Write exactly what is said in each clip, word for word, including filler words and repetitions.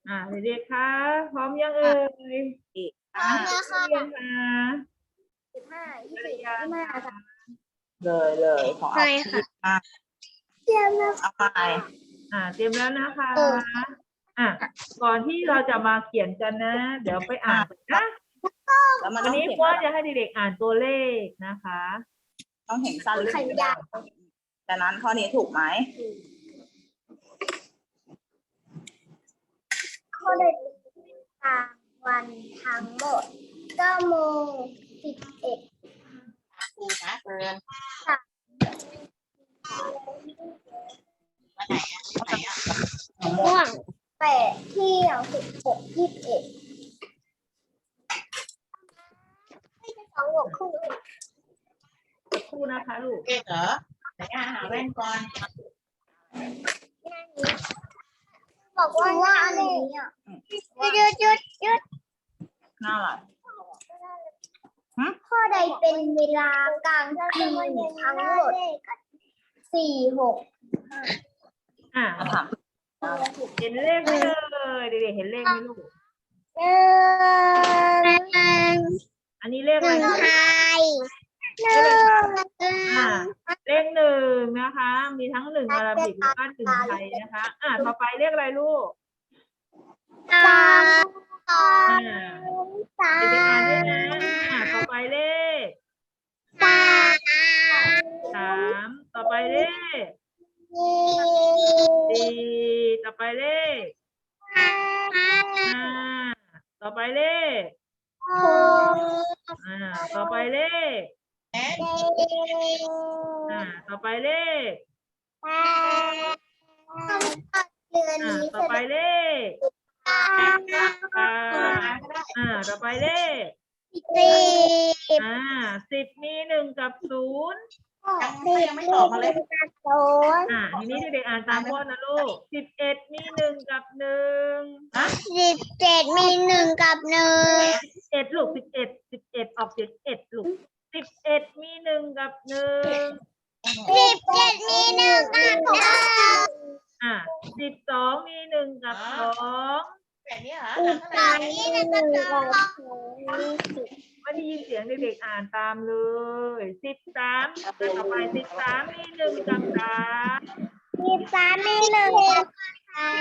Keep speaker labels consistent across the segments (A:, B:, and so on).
A: อ่าเด็กๆคะพร้อมยังเอ่ย
B: พร้อมแล้วค่ะ
A: เรียนคะ
B: สิบห้ายี่สิบยี่ห้าค่ะ
C: เลยเลยขอเอา
B: ใช่ค่ะ
C: อ่ะ
B: เตรียมแล้ว
C: เอาไป
A: อ่าเตรียมแล้วนะคะ
B: เออ
A: อ่ะก่อนที่เราจะมาเขียนกันนะ เดี๋ยวไปอ่านก่อนนะ
C: แล้วมัน
A: วั
C: ต้
A: น
C: อง
A: นี้
C: เขียน
A: พ่อจะให้เด็กๆอ่านตัวเลขนะคะ
C: ต้องเห็นสั้นหรือ
B: ขันยาว
C: แต่นั้นข้อนี้ถูกไหม
B: ข้อใดทางวันทั้งหมดเก้าโมงสิบเอ็ด
C: ครูนะเกิน
B: ม่วงแปดเที่ยงสิบหกยี่สิบเอ็ดไม่ใช่สองหัวคู่
A: ครู่นะคะลูก
C: เอกเหรอไหนอ่ะหาแว่นก่อน
B: บอกว่าว่าอันนี้อ่ะหยุดหยุดหยุด
C: หน้าอะไร
B: ข้อใดเป็นเวลากลางคืนทั้งหมดสี่หก
A: อ่า
C: มาถาม
A: เห็นเลขไหมเลยเด็กๆเห็นเลขไหมลูก
B: หนึ่ง
A: อันนี้เลข
B: ห
A: อะไร
B: นึ่ง
A: คะ
B: ไทยหนึ่ง
A: อ่าเลขหนึ่งนะคะ มีทั้งหนึ่งอาราบิกแล้วก็หนึ่งไทยนะคะ อ่าต่อไปเลขอะไรลูก
B: สามสอ
A: อ่าง
B: สา
A: เด็กๆอ่านด้วยนะ
B: ม
A: อ่าต่อไปเลข
B: สาม
A: สามต่อไปเลข
B: สี่
A: สี่ต่อไปเลข
B: ห้า
A: ห้าต่อไปเลข
B: หก
A: อ่าต่อไปเลข
B: เจ็ด
A: อ่าต่อไปเลข
B: แปดเดือน
A: อ่า
B: นี้
A: ต่อไปเลข
B: เก้า
A: เก้าอ่าต่อไปเลข
B: สิบ
A: อ่าสิบมีหนึ่งกับศูนย์
C: ยังไม่ตอบมาเลย
B: ศูนย์
A: อ่าทีนี้เด็กๆอ่านตามพ่อนะลูกสิบเอ็ดมีหนึ่งกับหนึ่ง
B: สิบเจ็ดมีหนึ่งกับหนึ่ง
A: เอ็ดลูกสิบเอ็ดสิบเอ็ดออกเสียงเอ็ดลูกสิบเอ็ดมีหนึ่งกับหนึ่ง
B: สิบเจ็ดมีหนึ่งกับหนึ่ง
A: อ่าสิบสองมีหนึ่งกับสอง
C: แบบนี้เหรอ
B: สิบสองมีหนึ่งกับสอง
A: ไม่ได้ยินเสียงเด็กๆอ่านตามเลยสิบสามต่อไปสิบสามมีหนึ่งกับสาม
B: สิบสามมีหนึ่งกับสาม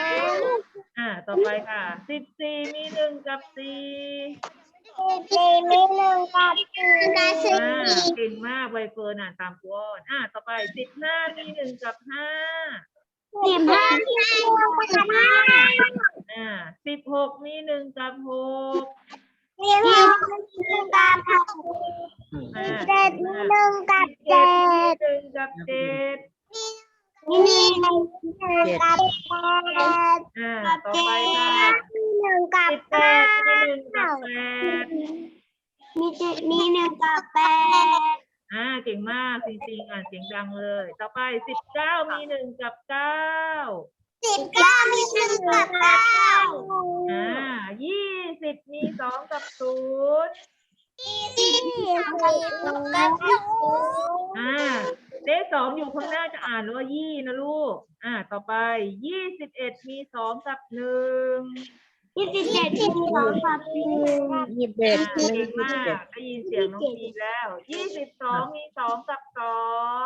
A: อ่าต่อไปค่ะสิบสี่มีหนึ่งกับสี่
B: สิบสี่มีหนึ่งกับสี่
A: อ่าเก่งมากใบเฟิร์นอ่านตามกูอ่อนอ่าต่อไปสิบห้ามีหนึ่งกับห้า
B: สิบห้ามีหนึ่งกับห้า
A: อ่าสิบหกมีหนึ่งกับหก
B: สิบหกมีหนึ่งกับหก
A: อ่า
B: สิบเจ็ดมีหนึ่งกับ
A: เจ็
B: เจ็
A: ดมี
B: ด
A: หนึ่งกับเจ็ด
B: มีหนึ่งกับแปด
A: อ่าต่อไปค่ะ
B: มีหนึ่งกับ
A: สิบแป
B: เก้า
A: ดมีหนึ่งกับแปด
B: มีเจ็ดมีหนึ่งกับแปด
A: อ่าเก่งมากจริงๆอ่านเสียงดังเลย ต่อไปสิบเก้ามีหนึ่งกับเก้า
B: สิบเก้ามีหนึ่งกับเก้า
A: อ่ายี่สิบมีสองกับศูนย์
B: ยี่สิบมีสองกับศูนย์
A: อ่าเลขสองอยู่ข้างหน้าจะอ่านว่ายี่นะลูก อ่า ต่อไปยี่สิบเอ็ดมีสองกับหนึ่ง
B: ยี่สิบเจ็ดมีสองกับหนึ่ง
C: ยี่สิบ
A: อ่า
C: เอ็ด
A: เก่งมากได้ยินเสียงน้องพีแล้วยี่สิบสองมีสองกับสอง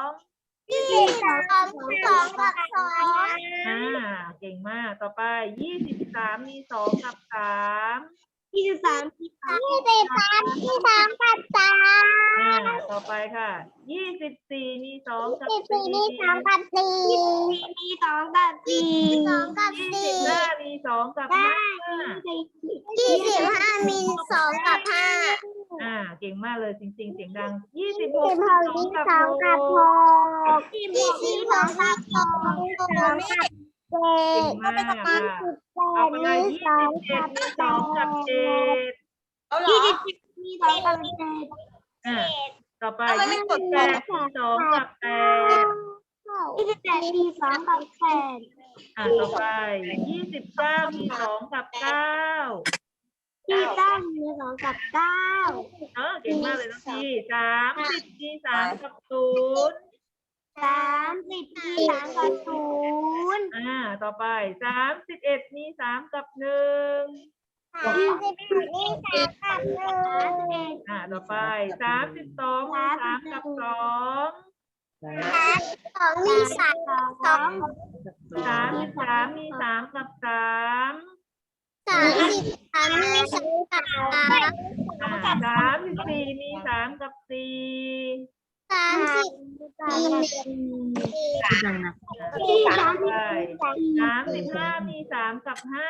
B: ยี่สิบสองกับสองกับสอง
A: อ่าเก่งมากต่อไปยี่สิบสามมีสองกับสาม
B: ยี่สิบสามยี่สิบสามมีสองกับสาม
A: อ่าต่อไปค่ะยี่สิบสี่มีสองกับ
B: ยี่สิบ
A: สี่
B: สี่มีสองกับสี่มีสองกับสี่สองกับ
A: ยี่
B: สี่
A: สิบห้ามีสองกับห้า
B: ยี่สิบห้ามีสองกับห้า
A: อ่าเก่งมากเลยจริงๆเสียงดังยี่สิบห
B: ยี่
A: ก
B: สิบหก
A: สอง
B: มี
A: กับ
B: สอง
A: ห
B: กับห
A: ก
B: กยี่สิบสองกับสองสองกับเจ็ด
A: เก่งมากค่ะต่อไป
B: มี
A: ยี่
B: สอง
A: สิบเจ็
B: กั
A: ด
B: บ
A: มีสองกับเจ็ด
C: เอาเหรอ
B: ยี่สิบเจ็ดมีสองกับเจ็ด
A: อ่าต่อไป
C: ทำไมไม่
A: ยี่
C: ก
A: สิ
C: ด
A: บ
C: แป
A: แป
C: ด
A: ดมีสองกับแปด
B: ยี่สิบแปดมีสองกับแปด
A: อ่าต่อไปยี่สิบเก้ามีสองกับเก้า
B: ยี่สิบเก้ามีสองกับเก้า
A: เออเก่งมากเลยน้องพีสามสิบมีสามกับศูนย์
B: สามสิบมีสามกับศูนย์
A: อ่า ต่อไปสามสิบเอ็ดมีสามกับหนึ่ง
B: ยี่สิบมีสามกับหนึ่ง
A: อ่า ต่อไปสามสิบสองมีสามกับสอง
B: สองมีสามกับสอง
A: สามสิบสามมีสามกับสาม
B: สามสิบสามมีสามกับสาม
A: อ่าสามสิบสี่มีสามกับสี่
B: สามสิบมีสี่
A: ต่อไปสามสิบห้ามีสามกับห้า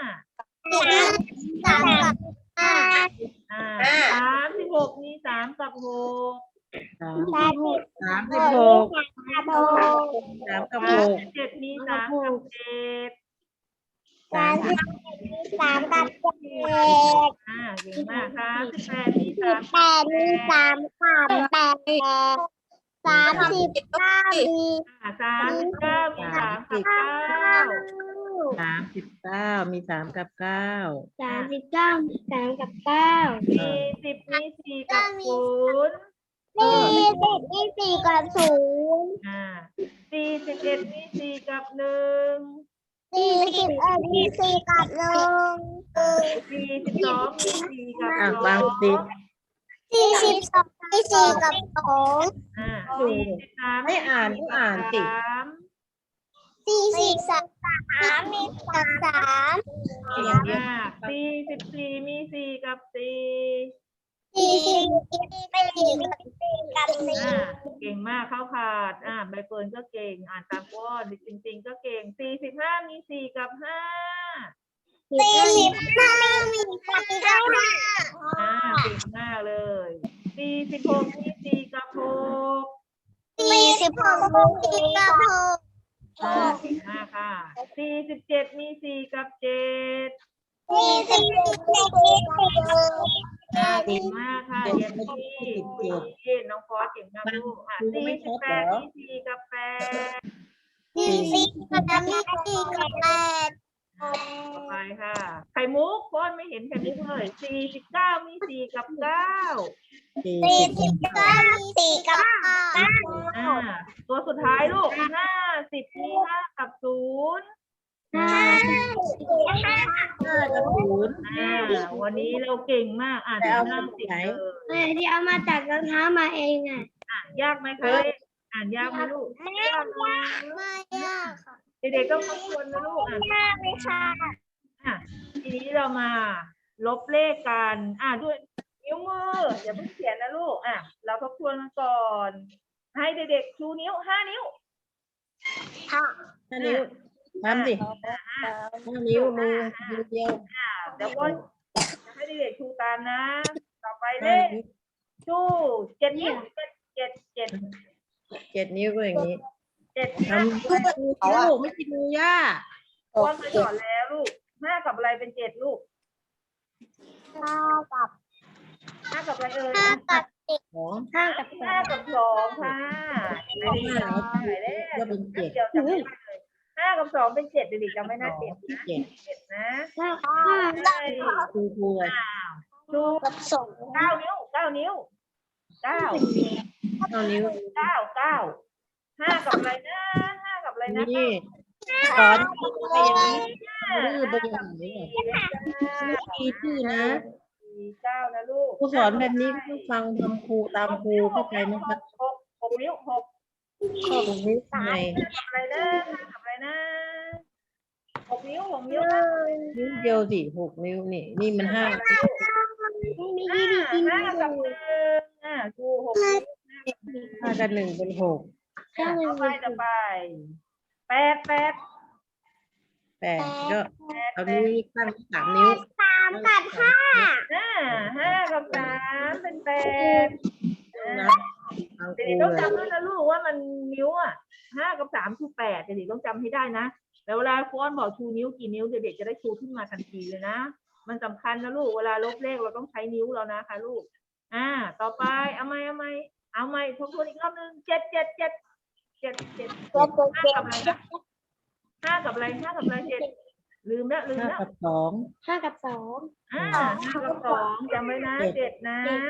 B: สามกับห้า
A: อ่าสามสิบหกมีสามกับหก
B: สามสิบ
D: สามสิบหก
B: กับหก
D: สามกับ
A: สา
D: ห
A: ม
D: ก
A: สิบเจ็ดมีสามกับเจ็ด
B: สามสิบมีสามกับเจ็ด
A: อ่าเก่งมากสามสิบแปดมี
B: สิ
A: สา
B: บ
A: ม
B: แปดมีสามกับแปดสามสิบเก้ามี
A: อ่าสามสิบเก้ามีสามกับเก้า
D: สามสิบเก้ามีสามกับเก้า
B: สามสิบเก้ามีสามกับเก้า
A: สี่สิบมีสี่กับศูนย์
B: มีสิบมีสี่กับศูนย์
A: อ่าสี่สิบเอ็ดมีสี่กับหนึ่ง
B: สี่สิบเอ็ดมีสี่กับหนึ่ง
A: สี่สิบสองมีสี่กับ
D: อ่ะ
A: สอง
D: บางสิ
B: สี่สิบสองมีสี่กับสอง
A: อ่าสี่สิบสาม
D: ไม่อ่านต้องอ่านสิ
A: สาม
B: สี่สิบสามมีกับสาม
A: เก่งมากสี่สิบสี่มีสี่กับสี่
B: สี่สิบมีสี่กับสี่กับสี่
A: อ่าเก่งมากเข้าขาดอ่าใบเฟิร์นก็เก่งอ่านตามก้อนจริงๆก็เก่งสี่สิบห้ามีสี่กับห้า
B: สี่สิบห้ามีกับสี่กับห้า
A: อ่าเก่งมากเลยสี่สิบหกมีสี่กับหก
B: สี่สิบหกมีสี่กับหก
A: อ่าเก่งมากค่ะสี่สิบเจ็ดมีสี่กับเจ็ด
B: สี่สิบมีสี่กับหก
A: อ่าเก่งมากค่ะเรียนที่เย็นน้องฟอสเก่งมากลูกอ่ะสี่สิบแปดมีสี่กับแปด
B: สี่สิบกับมีสี่กับแปด
A: ต่อไปค่ะไข่มุกฟอสไม่เห็นไข่มุกเลยสี่สิบเก้ามีสี่กับเก้า
D: สี่
B: สี่
D: สิบ
B: สิบเก้ามีสี่กับเก้า
A: อ่าตัวสุดท้ายลูกห้าสิบมีห้ากับศูนย์
B: ห้าสิบห้า
D: ห้ากับศูนย์
A: อ่าวันนี้เราเก่งมากอ่านถึงห้าสิบเลย
B: แม่ที่เอามาจากรองเท้ามาเองอ่ะ
A: อ่านยากไหมคะอ่านยากไหมลูก
B: ไม่ยากไม่ยากค่ะ
A: เด็กๆต้องทบทวนนะลูกอ่าน
B: ยากเลยค่ะ
A: อ่ะทีนี้เรามาลบเลขกันอ่าด้วยนิ้วมืออย่าเพิ่งเขียนนะลูกอ่ะเราทบทวนกันก่อน ให้เด็กๆชูนิ้วห้านิ้ว
B: ค่ะ
D: ห้านิ้วทำสิห้านิ้วมือมือเดียว
A: อ่าเดี๋ยวก็จะให้เด็กๆชูตามนะ ต่อไปเล
D: ห้า
A: ข
D: นิ้ว
A: ชูเจ็ดนิ้วเจ็ดเจ็ดเจ็ด
D: เจ็ดนิ้วก็อย่างนี้
A: เจ็ด
D: ทำลูกไม่กินมือย่า
A: ตัวเคยสอนแล้วลูกห้ากับอะไรเป็นเจ็ดลูก
B: ห้ากับ
A: ห้ากับอะไรเอ่ย
B: ห้ากับสิบ
D: สอง
B: ห้ากับสอ
A: ห้าง กับสองค่ะไม่ได้ยินไหนเล
D: ก็
A: ข
D: เป็นเจ็ด
A: เดี๋ยวจำไม่ได้เลยห้ากับสองเป็นเจ็ดเด็กๆจำไม่ได้เจ็ดนะ
D: เจ็ด
A: เจ็ดนะ
B: ห้า
A: ใช่
D: ครูครูเลย
A: ชู
B: กับสอง
A: เก้านิ้วเก้านิ้วเก้า
D: เก้านิ้ว
A: เก้าเก้าห้ากับอะไรนะห้ากับอะไรนะ
D: นี่สอนไปอย่างนี้ดื้อไปอย่างนี้ไม่มีชื่อนะ
A: สี่เก้านะลูก
D: ครูสอนแบบนี้ก็ต้องฟังทำครูตามครูเข้าใจไหมครับ
A: หกหกนิ้วหก
D: ข้อตรงนี้ไง
A: กับอะไรนะห้ากับอะไรนะหกนิ้วหกนิ้วนะ
D: นิ้วเดียวสิหกนิ้วนี่นี่มันห้า
A: ห้าห้ากับหนึ่งอ่าชูหกนิ้ว
D: ห้ากับหนึ่งเป็นหก
A: ต่อไปต่อไปแปดแปด
D: แปดก็เอานิ้วตั้งสามนิ้ว
B: สามกับห้า
A: ห้าห้ากับสามเป็นแปด
D: นะเอาค
A: เด็
D: รู
A: กๆต้อง
D: เลย
A: จำด้วยนะลูกว่ามันนิ้วอ่ะห้ากับสามคือแปดเด็กๆต้องจำให้ได้นะแล้วเวลาฟอนบอกชูนิ้วกี่นิ้วเด็กๆจะได้ชูขึ้นมาทันทีเลยนะมันสำคัญนะลูกเวลาลบเลขเราต้องใช้นิ้วเรานะคะลูกอ่าต่อไปเอาไหมเอาไหมเอาไหมทบทวนอีกรอบนึงเจ็ดเจ็ดเจ็ดเจ็ดเจ็ด
B: เจ็ดเจ็ด
A: ห้ากับอะไรนะห้ากับอะไรห้ากับอะไรเจ็ดลืมแล้วลืม
D: ห้า
A: แล้ว
D: กับสอง
B: ห้ากับสอง
A: อ่าห้ากับสองจำไว้นะเจ็ดนะ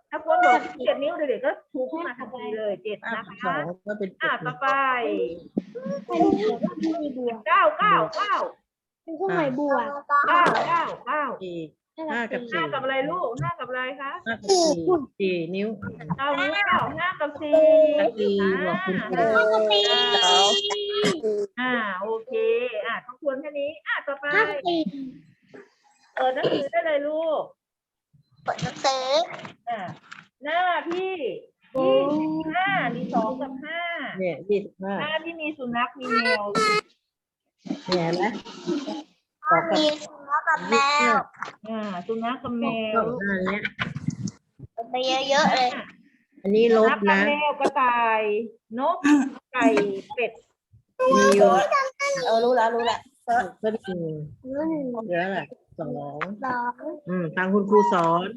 A: ถ้าคนบอกเจ็ดนิ้วเด็กๆก็ชูขึ้นมาทันทีเลยเจ็ด
D: ห้า
A: นะ
D: กับส
A: คะ
D: องก็เป็นเจ็
A: อ่ะ
D: ด
A: ต่อไป
B: เป็นมีบวก
A: เก้าเก้าเก้า
B: เป็นเครื่องหมายบวก
A: เก้าเก้าเก้า
D: สี่ห้ากับ
A: ห้า
D: สี่
A: กับอะไรลูกห้ากับอะไรคะ
D: ห้ากับสี่สี่นิ้ว
A: เก้านิ้วเก้าห้ากับสี่
D: กับสี่บอกคุณครู
A: อ่า
B: สี่
A: อ่าโอเคอ่ะทบทวนแค่นี้อ่ะต่อไป
B: ห้าสี่
A: เปิดหนังสือได้เลยลูก
B: เปิดหนังสือ
A: อ่ะหน้าที่ยี่สิบห้ามีสองกับห้า
D: เนี่ยยี่สิบห้า
A: หน้าที่มีสุนัขมีแมว
D: เนี่ยเห็นไหมสองกับ
B: มีสุนัขกับแมว
A: อ่าสุนัขกับแม
D: ส
A: ว
D: องหน้าเนี้ย
B: ไปเยอะๆเลย
D: อันนี้ล
A: สุ
D: บ
A: นัขกับ
D: นะ
A: แมวกระต่ายนกไก่เป็ด
D: มีอยู่
C: เออรู้แล้วรู้แล้ว
D: ก็หนึ่ง
B: หนึ่ง
D: เหลืออะไรสอง
B: สอง
D: อืมฟังคุณครูสอน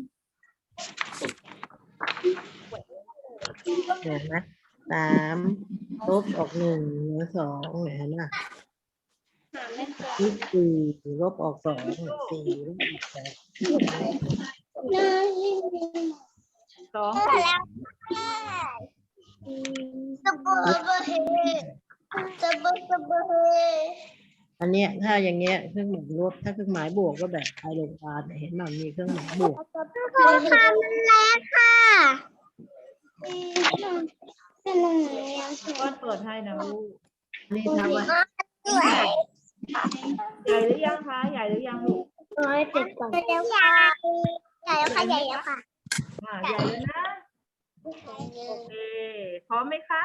D: เห็นไหมสามลบออกหนึ่งเหลือสองเห็นไหมนี่สี่ลบออกสองสี่ลบออกสอง
B: หนึ่ง
A: สอง
B: แล้วสบู่สบู่เฮสบู่สบู่เฮ
D: อันเนี้ยถ้าอย่างเงี้ยเครื่องหมายลบถ้าเครื่องหมายบวกก็แบบไอลงกาเห็นมันมีเครื่องหมายบวก
B: ครูค่ะมันแรงค่ะเป็นหนึ่งยัง
A: ก้อนเปิดให้นะลูก
D: นี่ทำไว้
B: สวย
A: ใหญ่หรือยังคะใหญ่หรือยังลูก
B: ร้อยเจ็ดก่อนใหญ่แล้วค่ะใหญ่แล้วค่ะใหญ่แล้วค่ะ
A: อ่าใหญ่แล้วนะโอเคพร้อมไหมคะ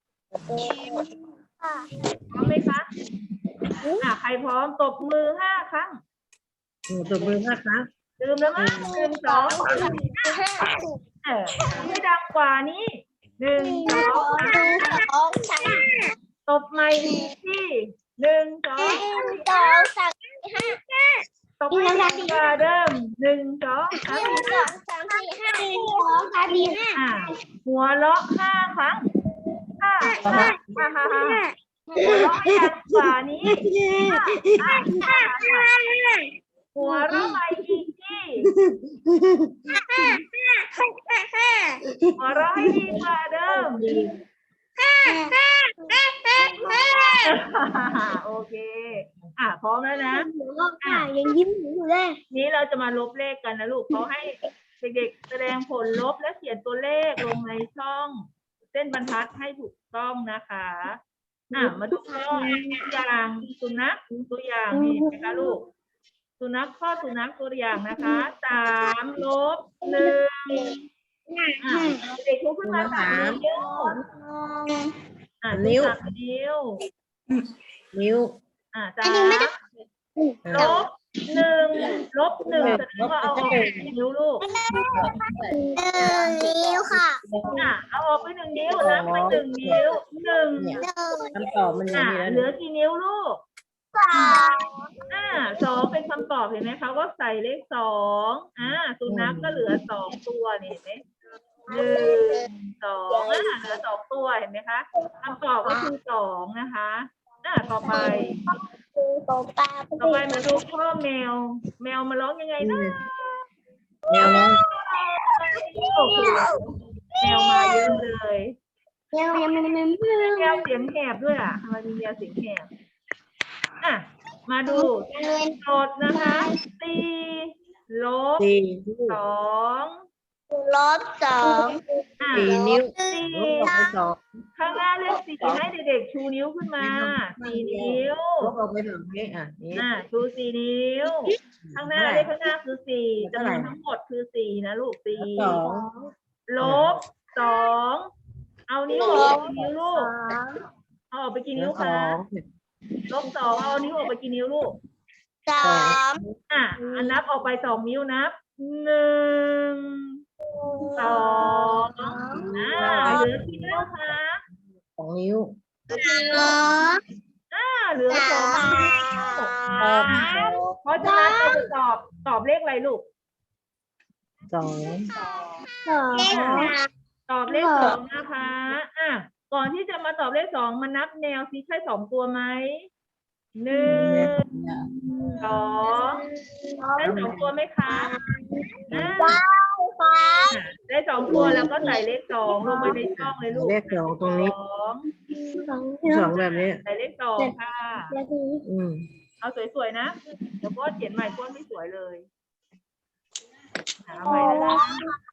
A: พร้อมไหมคะอ่าใครพร้อมตบมือห้าครั้ง
D: โอ้ตัวมือห้าครั้ง
A: ดื่มแล้วมั้ยหนึ่งสองเออไม่ดังกว่านี้หนึ่งสอง
B: หนึ่งสองสาม
A: ตบใหม่อีกที่หนึ่งสอง
B: หนึ่งสองสามห้า
A: ตบให้ดังกว่าเดิมหนึ่งสองสาม
B: หนึ่งสองสามสี่ห้าหนึ่งสองสามสี่ห้า
A: อ่าหัวเราะห้าครั้งห้าห้าห้าห้าห้าหัวเราะให้ดังกว่านี้ห้าห้าห้าห้าหัวเราะใหม่อีกที่หัวเราะให้ดีกว่าเดิมโอเคอ่ะพร้อมแล้วนะ
B: ค่ะยังยิ้มอยู่เลย
A: นี้เราจะมาลบเลขกันนะลูกเขาให้เด็กๆแสดงผลลบและเขียนตัวเลขลงในช่องเส้นบรรทัดให้ถูกต้องนะคะอ่ะมาดูข้อตัวอย่างสุนัขตัวอย่างนี่นะคะลูกสุนัขข้อสุนัขตัวอย่างนะคะสามลบหนึ่งอ่ะเด็กๆยกขึ้นมาสามนิ้วอ่ะนิ้วสามนิ้ว
D: นิ้ว
A: อ่ะสามลบหนึ่งลบหนึ่งแสดงว่าเอาออกไปนิ้วลูก
B: หนึ่งนิ้วค่ะ
A: อ่ะเอาออกไปหนึ่งนิ้วนับไปหนึ่งนิ้วหนึ่ง
D: เนี่ย
B: หนึ่ง
D: คำตอบมันอย่าง
A: อ่ะ
D: นี้แล้ว
A: เหลือกี่นิ้วลูก
B: สอง
A: อ่าสองเป็นคำตอบเห็นไหมคะก็ใส่เลขสองอ่าสุนัขก็เหลือสองตัวนี่เห็นไหมหนึ่งสองอ่าเหลือสองตัวเห็นไหมคะคำตอบก็คือสองนะคะอ่าต่อไป
B: คือโตปลา
A: ต่อไปมาดูข้อแมว แมวมาร้องยังไงนะ
D: แนวน้อง
A: โอ้โหแมวมาเยอะเลย
B: ยังยังไม่ไม่ไม่
A: แมวเสียงแหบด้วยอ่ะทำไมมีแมวเสียงแหบอ่ะมาดู
B: เงิน
A: โจทย์นะคะสี่ลบ
D: สี่
A: สอง
B: ลบสอง
A: อ่ะ
D: สี่นิ้ว
A: สี่
D: ลบออกไปสอง
A: ข้างหน้าเลขสี่ให้เด็กๆชูนิ้วขึ้นมาสี่นิ้ว
D: ลบออกไปสองนี้อ่ะนี่
A: อ่ะชูสี่นิ้ว ข้างหน้าเลขข้างหน้าคือสี่จำนวนทั้งหมดคือสี่นะลูกสี่
D: สอง
A: ลบสองเอานิ้วออกกี่นิ้วลูกเอาออกไปกี่
D: เหลื
A: นิ้
D: อ
A: ว
D: ส
A: คะ
D: อง
A: ลบสองเอานิ้วออกไปกี่นิ้วลูก
B: สาม
A: อ่ะอันนับออกไปสองนิ้วนับหนึ่งสองอ่าเหลือกี่นิ้วคะ
D: สองนิ้ว
B: สอง
A: อ่าเหลือสองนิ้ว
B: สาม
A: เพราะฉะนั้นเราจะตอบตอบเลขอะไรลูก
D: สอง
B: สองเลขสาม
A: ตอบเลขสองนะคะอ่ะก่อนที่จะมาตอบเลขสองมานับแนวซิใช่สองตัวไหมหนึ่งสองใช่สองตัวไหมคะอ่า
B: ว้าวฟ้า
A: แสได้สองตัวแล้วก็ใส่เลขสองลงไปในช่องเลยลูก
D: เลขสองตรงนี้
A: สอง
B: สอง
D: สองแบบนี้
A: ใส่เลขสองค่ะ
B: แล้วคือ
D: อืม
A: เอาสวยๆนะเดี๋ยวก้อนเขียนใหม่ก้อนไม่สวยเลยหาใหม่แล้วนะ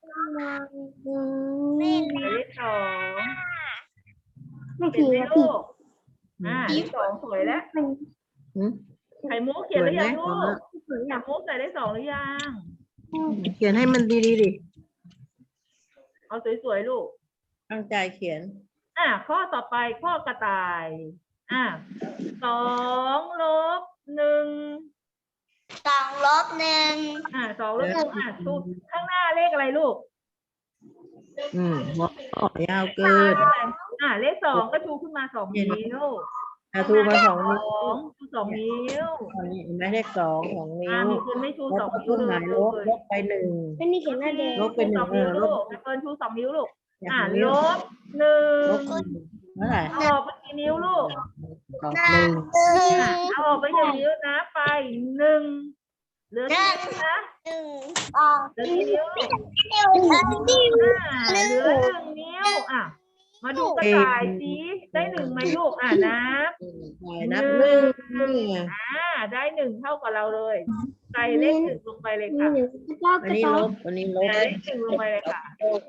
A: ใส่เลขสอง
B: ไม่
A: เห็น
B: ผิด
A: ไหม
B: แล้ว
A: ลู
B: ผิด
A: กอ่าเลขสองสวยแล้ว
D: อืม
A: ไข่มุก
D: ส
A: เขียน
D: ว
A: ห
D: ย
A: รือ
D: ไหม
A: ยังลู
D: ของ
A: ก
D: เรา
A: ไข่มุกใส่เลขสองหรือยัง
D: เขียนให้มันดีดีๆดิ
A: เอาสวยๆลูก
D: ตั้งใจเขียน
A: อ่ะข้อต่อไปข้อกระต่าย อ่ะสองลบหนึ่ง
B: สองลบหนึ่ง
A: อ่ะสองลบหนึ่งอ่ะทูข้างหน้าเลขอะไรลูก
D: อืมหัวข้อยาวเกิ
A: เล
D: น
A: ขอะไรอ่ะเลขสองก็ชูขึ้นมาสองนิ้ว
D: อาทูมาสองนิ้ว
A: สองชูสองนิ้ว
D: อันนี้เห็นไหมเลขสองสอง
A: อ่ะ
D: นิ้ว
A: มีคนไม่ชู
D: ล
A: ส
D: บ
A: อง
D: กับ
A: นิ้ว
D: เครื่องห
A: เล
D: มาย ยลบลบไปหนึ่ง
B: ไม่นี่เขียนหน้าแดง
D: ลบไปหนึ่ง
A: สองนิ้ว
D: เออล
A: ลู
D: บ
A: กแม่เฟิร์นชูสองนิ้วลูก
D: อย่าง
A: อ่ะ
D: นี้
A: ลบหนึ่
D: ล
A: ง
D: บเท่าไหร่
A: เอาออกไปกี่นิ้วลูก
D: สองหนึ่ง
A: อ่ะเอาออกไปหนึ่งนิ้วนะไปหนึ่งเหลือกี่นิ้วนะ
B: หนึ่งสอง
A: เหลือกี่นิ้วลูก
B: เดียวนิ้ว
A: อ่าเหลือหนึ่งนิ้วอ่ะมาดูกระต่ายสิได้หนึ่งไหมลูกอ่ะนับ
D: ใช่นับหนึ่งนี่ไง
A: อ่าได้หนึ่งเท่ากับเราเลยใส่เลขหนึ่งลงไปเลย
B: มี
A: ค่ะ
B: หนึ่งเจ้า
D: อั
B: ก
D: น
B: ระ
D: นี้
B: ต่า
D: ล
B: ย
D: บอันนี้ลบ
A: ใส่เลขหนึ่งลงไปเลยค่ะ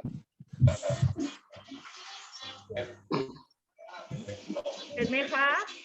A: เห็นไหมคะ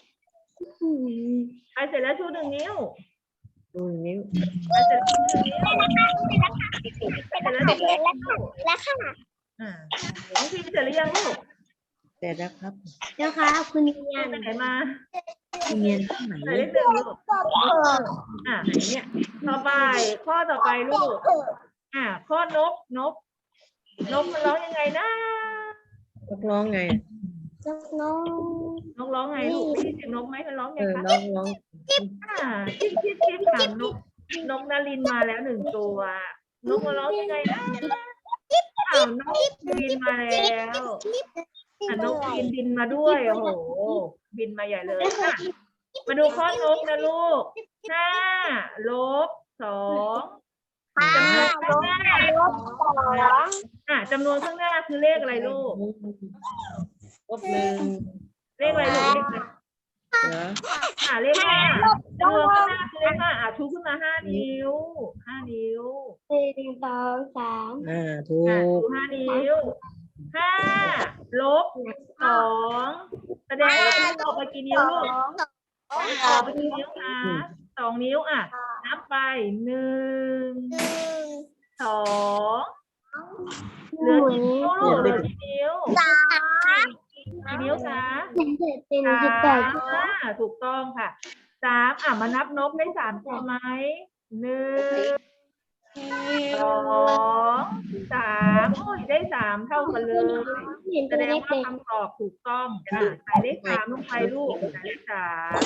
A: ใครเสร็จแล้วชูหนึ่งนิ้ว
D: ดูนิ้ว
A: ใครเสร็จแล้วชูหนึ่งนิ้วใครเสร็จแล้วชูหนึ่งนิ้ว
B: แล้วค่ะ
A: อ่าน้องพิมเสร็จหรือยังลูก
D: เสร็จแล้วครับ
B: เจ้าค่ะคุณเนียน
A: ไปไหนมา
D: เรียนที่ไหน
A: ใส่เลขหนึ่งลูกอ่าไหนเนี่ย ต่อไปข้อต่อไปลูก อ่าข้อนกนกนกมันร้องยังไงนะ
D: นกร้องไง
B: เจ้าน้อง
A: นกร้องไงลูกได้ยินเสียงนกไหมมันร้องไง
D: เออ
A: คะ
D: น้องร้อง
A: อ่าชิบชิบชิบค่ะนกนกนารินมาแล้วหนึ่งตัวนกมันร้องยังไงนะอ้าวนกบินมาแล้วอ่านกบินบินมาด้วยโอ้โหบินมาใหญ่เลยอ่ะมาดูข้อนกนะลูกห้าลบสองจำนวนข้างหน้า
B: ลบสอง
A: อ่ะจำนวนข้างหน้าคือเลขอะไรลูก
D: ลบหนึ่ง
A: เลขอะไรลูกเลขอะไร
D: เหรอ
A: อ่ะเลขห้าจำนวนข้างหน้าคือเลขห้าอ่ะชูขึ้นมาห้านิ้วห้านิ้ว
B: หนึ่งสองสาม
D: อ่าถู
A: อ่ะ
D: ก
A: ชูห้านิ้วห้าลบสองแสดงว่ามันออกไปกี่นิ้วลูกออกไปกี่นิ้วคะสองนิ้วอ่ะนับไปหนึ่ง
B: หนึ่ง
A: สองเหลือกี่นิ้วลูกเหลือกี่นิ้ว
B: สาม
A: กี่นิ้วคะ
B: เป็นเจ็ดเป็น
A: สา
B: สิบแปด
A: มอ่ะถูกต้องค่ะสามอ่ะมานับนกได้สามตัวไหมหนึ่งสองสามโอ้ยได้สามเท่ากันเลย
B: เห็น
A: แส
B: เป็น
A: ด
B: เล
A: ง
B: ข
A: ว่า
B: เด็ก
A: คำตอบถูกต้องอ่ะใส่เลขสามลงไปลูกใส่เลขสาม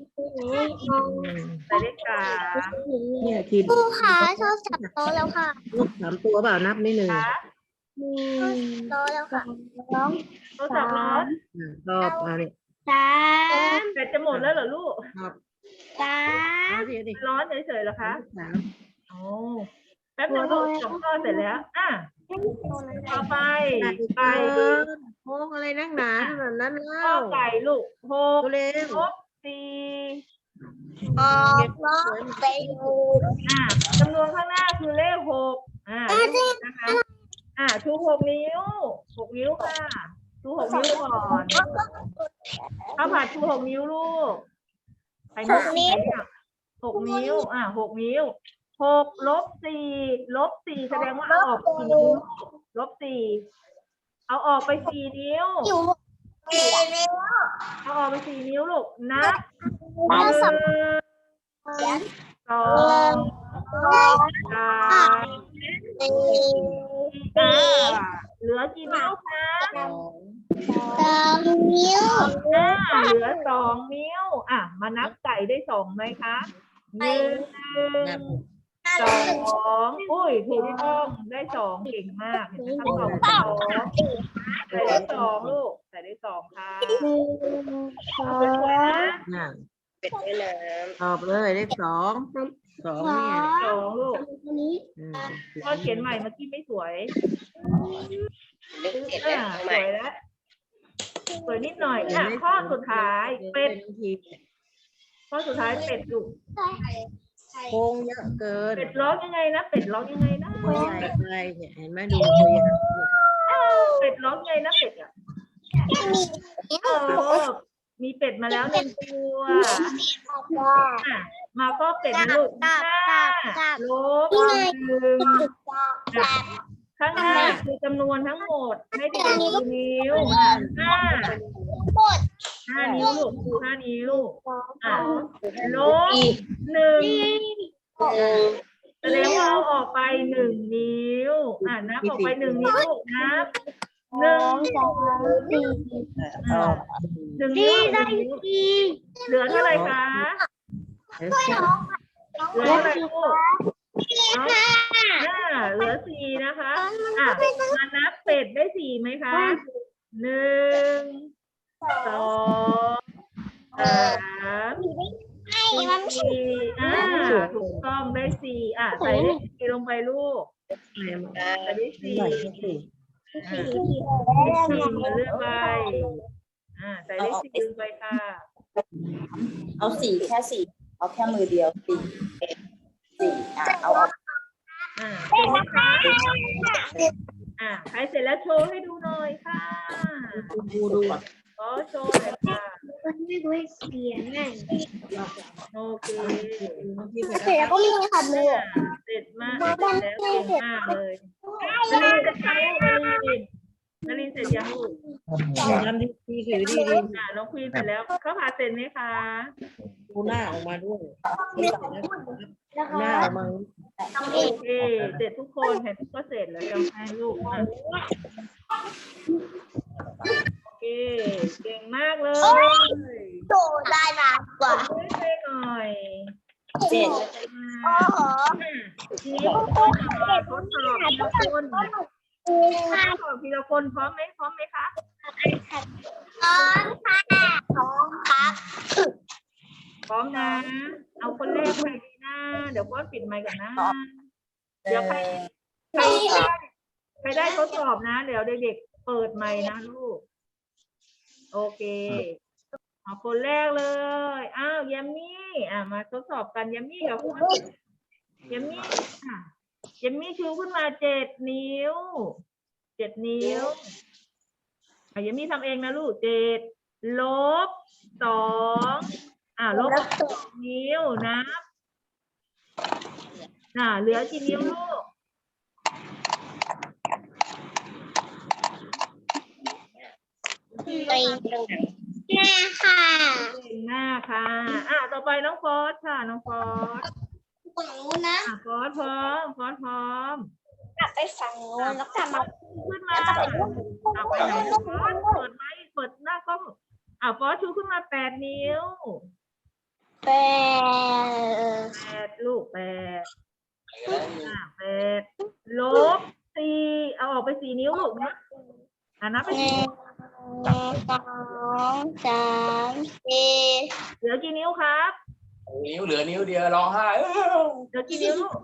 A: ใส่เลขสาม
D: เนี่ยทีม
B: ครูขาชอบจับโต๊ะแล้วค่ะ
D: ลูกสามตัวเปล่านับไม่หนึ่ง
A: ค่ะ
B: หนึ่งโต๊ะแล้วค่ะสอง
A: โทรศัพท์ร้อน
D: อ่าตอบเอาเนี่ย
B: สาม
A: แบตจะหมดแล้วเหรอลูก
D: ตอบ
B: สา
D: เอา
B: ม
D: สิเอาดิ
A: ร้อนเฉยๆเหรอคะ
D: สาม
A: โอ้แป๊บนึงลูกสองข้อเสร็จแล้วอ่ะต่อไปไก่
D: โค้งอะไรนักหนาขนาดนั้น
A: ข้
D: เล่า
A: อไก่ลูกหก
D: ตัวเล็ก
A: ลบสี่
B: ออกลบไปดู
A: อ่ะจำนวนข้างหน้าคือเลขหกอ่าเลขนะคะ อ่าชูหกนิ้วหกนิ้วค่ะชูหกนิ้วก่อนข้าวผัดชูหกนิ้วลูกใครมาใครเนี่ยหกนิ้ว อ่าหกนิ้วหกลบสี่ลบสี่แสดงว่าเอาออกไปกี่นิ้วลบสี่เอาออกไปสี่นิ้ว
B: อยู่สี่นิ้ว
A: เอาออกไปสี่นิ้วลูกนับห
B: เอา
A: นึ่ง
B: สับ
A: สองสาม
B: สี่
A: อ่าเหลือกี่นิ้วคะ
D: สอง
B: สองนิ้ว
A: อ่าเหลือสองนิ้ว อ่ะ มานับไก่ได้สองไหมคะหนึ่ง
D: นับ
A: สองอุ้ยถูกต้องได้สองเก่งมากเห็นไหมคำตอบสองใส่ได้สองลูกใส่ได้สองค่ะ
B: หนึ่งสอง
A: สวยๆนะ
D: อ่า
C: เป็ดแม่น้
D: ตอบเลยเลขสองสองเนี่ย
A: สองลูก
B: ตัวนี้
D: อืม
A: พ่อเขียนใหม่เมื่อกี้ไม่สวย
C: ำเลขเจ็ด
A: อ่า
C: แล้ว
A: ส
C: ใหม่
A: วยแล้วสวยนิดหน่อยอ่ะข้อสุดท้ายเป็ด
D: ที
A: ข้อสุดท้ายเป็ดลูก
D: โค้งเยอะเกิน
A: เป็ดร้องยังไงนะเป็ดร้องยังไงนะ
D: ตัวใหญ่ไปเนี่ยเห็นไหมดูตัวใหญ่
A: เป็ดร้องยังไงนะเป็ดอ่ะเออมีเป็ดมาแล้วหนึ่งตัวอ่ะมาก็เป็ดนะลูกห้าลบหนึ่งอ่ะข้างหน้าคือจำนวนทั้งหมดให้เด็กดูนิ้วอ่ะห้าห้านิ้วลูกห้านิ้วอ่ะลบหนึ่งแสดงว่าเอาออกไปหนึ่งนิ้วอ่ะนับออกไปหนึ่งนิ้วลูกนับหนึ่ง
D: ออก
A: หนึ่งนิ้วหนึ่งนิ้วเหลือเท่าไหร่คะ
D: แล้ว
A: เหลือเท่าไหร่ลูกเอาห้าเหลือสี่นะคะอ่ะมานับเป็ดได้สี่ไหมคะหนึ่งสองสามสี่อ่าถูกต้องได้สี่อ่ะใส่เลขสี่ลงไปลูกใส่ได้สี่อ่าสี่มาเลือกไปอ่าใส่เลขสี่ลงไปค่ะ
C: เอาสี่แค่สี่เอาแค่มือเดียวสี่สี่อ่ะเอาออก
A: อ่าเสร็จไหมคะอ่าใครเสร็จแล้วโชว์ให้ดูหน่อยค่ะ
D: ดูดูอ่ะ
A: ก็โชว์หน่อยค่ะ
B: ไม่รู้เสียงไง
A: โอเค
B: เสร็จแล้วก็มีขัดมือ
A: อ่าเสร็จมากเสร็จแล้วเก่งมากเลยนารินเสร็จยังลูกนารินนารินเสร็จยังลูก
D: ทำดีดีดีดีดี
A: อ่าน้องควีนเสร็จแล้วเขาผ่าเสร็จไหมคะ
D: ดูหน้าออกมาด้วยหน้าออกมา
A: โอเคเสร็จทุกคนเห็นทุกก็เสร็จแล้วจำให้ลูกอ่ะโอเคเก่งมากเลย
B: โตได้มากกว่า
A: ช่วยช่วยหน่อย
C: เจ็ด
B: โอ้โห
A: ทีนี้ทดสอบทดสอบทีละคนทดสอบทีละคนพร้อมไหมพร้อมไหมคะ
B: พร้อมค่ะพร้อมครับ
A: พร้อมนะ เอาคนแรกใครดีนะเดี๋ยวพ่อปิดไมค์ก่อนนะ เดี๋ยวใครใครได้ใครได้ทดสอบนะ เดี๋ยวเด็กๆเปิดไมค์นะลูก โอเคเอาคนแรกเลย อ้าวยัมมี่อ่ะมาทดสอบกันยัมมี่กับคุณยัมมี่อ่ะยัมมี่ชูขึ้นมาเจ็ดนิ้วเจ็ดนิ้วอ่ะยัมมี่ทำเองนะลูกเจ็ดลบสองอ่ะลบสองนิ้วนะน่ะเหลือกี่นิ้วลูก
B: หน้าค่ะ
A: เก่งมากค่ะ อ่ะต่อไปน้องฟอสค่ะ น้องฟอส
B: ฝั่งนู้นนะ
A: อ่ะฟอสพร้อม ฟอสพร้อม
B: กลับไปฝั่งนู้นแล้วกลับมา
A: ขึ้นมาอ่ะไปไหนนะฟอสเปิดไมค์เปิดหน้ากล้องอ่ะฟอสชูขึ้นมาแปดนิ้ว
B: แปด
A: แปดลูกแปดอ่ะแปดลบสี่เอาออกไปสี่นิ้วลูกนะอ่ะนับไป
B: ห
A: สี่
B: นึ่งสองสามสี่
A: เหลือกี่นิ้วครับ
E: นิ้วเหลือนิ้วเดียวร้องไห้เอ้า
A: เหลือกี่นิ้วลูก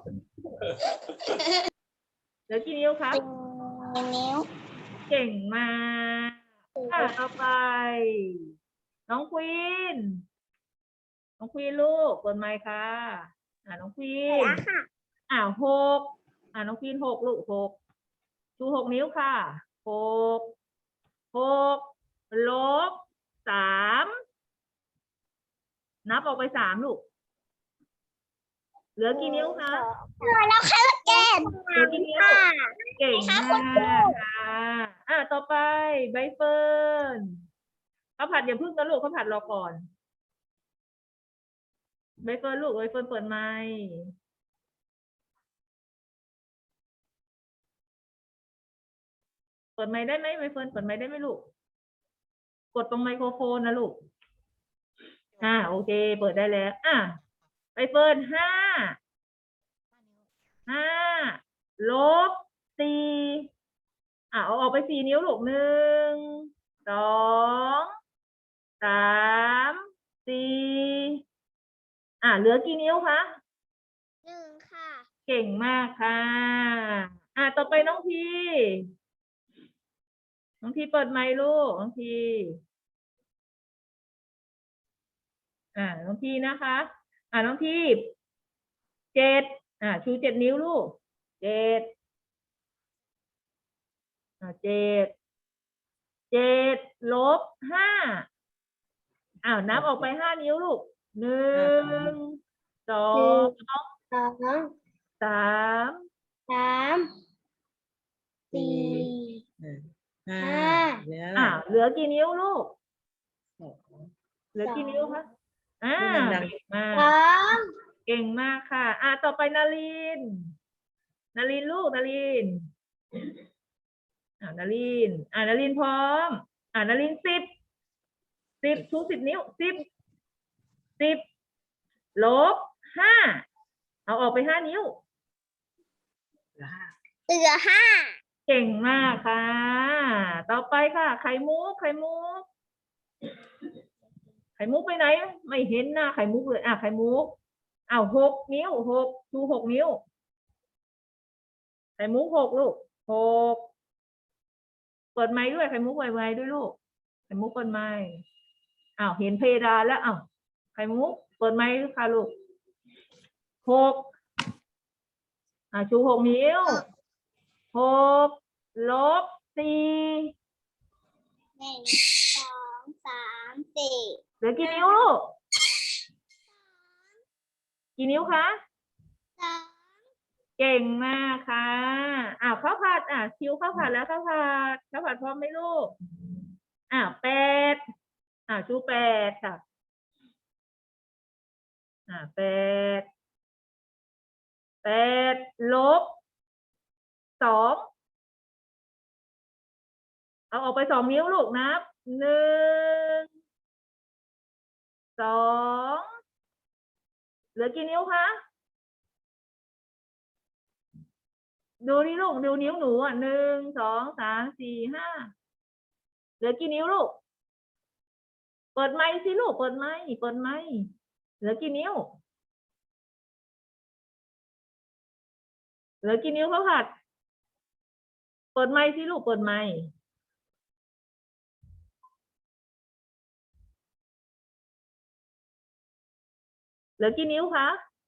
A: เหลือกี่นิ้วครับ
B: สี่นิ้ว
A: เก่งมากอ่ะต่อไป น้องควีน น้องควีนลูกเปิดไมค์ค่ะ อ่าน้องควีน อ่าหกอ่าน้องควีนหกลูกหกชูหกนิ้วค่ะหกหกลบสามนับออกไปสามลูก เหลือกี่นิ้วคะ
B: แล้วค่ะแก้ม
A: เหลือกี่นิ้ว เก่งมากค่ะ อ่ะต่อไปใบเฟิร์นข้าวผัดอย่าพึ่งนะลูกข้าวผัดรอก่อนใบเฟิร์นลูกใบเฟิร์นเปิดไมค์เปิดไมค์ได้ไหมใบเฟิร์นเปิดไมค์ได้ไหมลูก กดตรงไมโครโฟนนะลูก อ่าโอเค เปิดได้แล้ว อ่ะใบเฟิร์นห้าห้าลบสี่อ่ะเอาออกไปสี่นิ้วลูกหนึ่งสองสามสี่อ่าเหลือกี่นิ้วคะ
B: หนึ่งค่ะ
A: เก่งมากค่ะ อ่าต่อไปน้องพีน้องพีเปิดไมค์ลูกน้องพีอ่าน้องพีนะคะ อ่าน้องพีเจ็ดอ่าชูเจ็ดนิ้วลูกเจ็ดอ่าเจ็ดเจ็ดลบห้าอ้าวนับออกไปห้านิ้วลูกหนึ่งสอง
B: สอง
A: สาม
B: สามสี่
D: ห้า
B: ห้า
D: เหลืออะไร
A: อ่าเหลือกี่นิ้วลูก
D: สอง
A: เหลือกี่นิ้วคะอ่า
D: พูดดังๆ
A: เก่งมาก
B: สอง
A: เก่งมากค่ะ อ่าต่อไปนารินนารินลูกนารินอ่านารินอ่านารินพร้อม อ่านารินสิบสิบชูสิบนิ้วสิบสิบลบห้าเอาออกไปห้านิ้ว
D: เหลือห้า
B: เหลือห้า
A: เก่งมากค่ะ ต่อไปค่ะ ไข่มุกไข่มุกไข่มุกไปไหน ไม่เห็นหน้าไข่มุกเลย อ่ะไข่มุกอ้าวหกนิ้วหกชูหกนิ้วไข่มุกหกลูกหกเปิดไมค์ด้วยไข่มุกไวๆด้วยลูกไข่มุกเปิดไมค์อ้าวเห็นเพดานแล้วอ้าวไข่มุกเปิดไมค์ด้วยค่ะลูกหกอ่าชูหกนิ้วหกลบสี่
B: หนึ่งสองสามสี่
A: เหลือกี่นิ้วลูกกี่นิ้วคะ
B: สอง
A: เก่งมากค่ะอ้าวข้าวผัดอ่ะคิวข้าวผัดแล้วข้าวผัดข้าวผัดพร้อมไหมลูกอ้าวแปดอ่าชูแปดค่ะอ่าแปดแปดลบสองเอาออกไปสองนิ้วลูกนับหนึ่งสองเหลือกี่นิ้วคะดูนี่ลูกดูนิ้วหนูอ่ะหนึ่งสองสามสี่ห้าเหลือกี่นิ้วลูกเปิดไมค์สิลูกเปิดไมค์เปิดไมค์เหลือกี่นิ้วเหลือกี่นิ้วข้าวผัดเปิดไมค์สิลูกเปิดไมค์เหลือกี่นิ้วคะ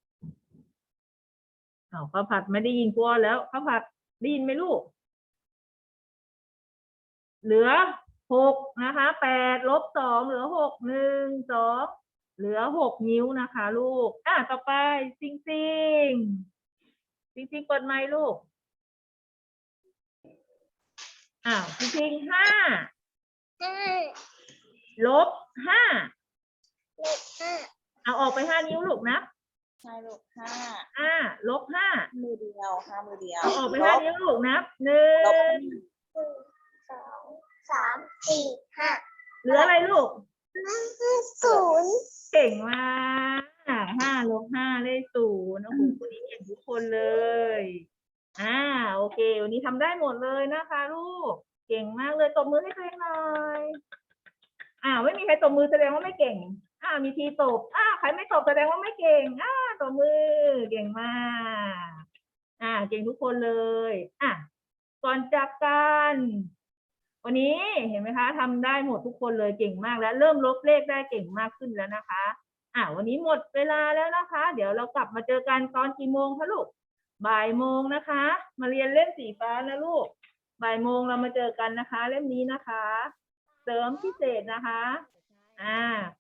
A: อ้าวข้าวผัดไม่ได้ยินกลัวแล้วข้าวผัดได้ยินไหมลูกเหลือหกนะคะแปดลบสองเหลือหกหนึ่งสองเหลือหกนิ้วนะคะลูกอ่ะต่อไปซิงซิงซิงซิงเปิดไมค์ลูกอ้าวซิงซิงห้า
B: ห้า
A: ลบห้า
B: ลบห้า
A: เอาออกไปห้านิ้วลูกนะ
C: ใช่ลูกห้า
A: ห้าลบห้า
C: มือเดียวห้ามือเดียว
A: เอาออกไปห้านิ้วลูกนับหนึ่
C: ลบ
A: ง
B: หนึ่งสองสามสี่ห้า
A: เหลืออะไรลูก
B: ศูนย์
A: เก่งมากห้าลบห้าได้ศูนย์โอ้โหวันนี้เก่งทุกคนเลย อ่าโอเค วันนี้ทำได้หมดเลยนะคะลูก เก่งมากเลยตบมือให้ตัวเองหน่อยอ่าไม่มีใครตบมือแสดงว่าไม่เก่ง อ่ามีทีตบอ่าใครไม่ตบแสดงว่าไม่เก่ง อ่าตบมือเก่งมาก อ่า เก่งทุกคนเลย อ่ะก่อนจากกันวันนี้เห็นไหมคะทำได้หมดทุกคนเลยเก่งมากแล้วเริ่มลบเลขได้เก่งมากขึ้นแล้วนะคะ อ่ะวันนี้หมดเวลาแล้วนะคะ เดี๋ยวเรากลับมาเจอกันตอนกี่โมงคะลูกบ่ายโมงนะคะ มาเรียนเล่มสีฟ้านะลูกบ่ายโมงเรามาเจอกันนะคะ เล่มนี้นะคะ เสริมพิเศษนะคะ อ่า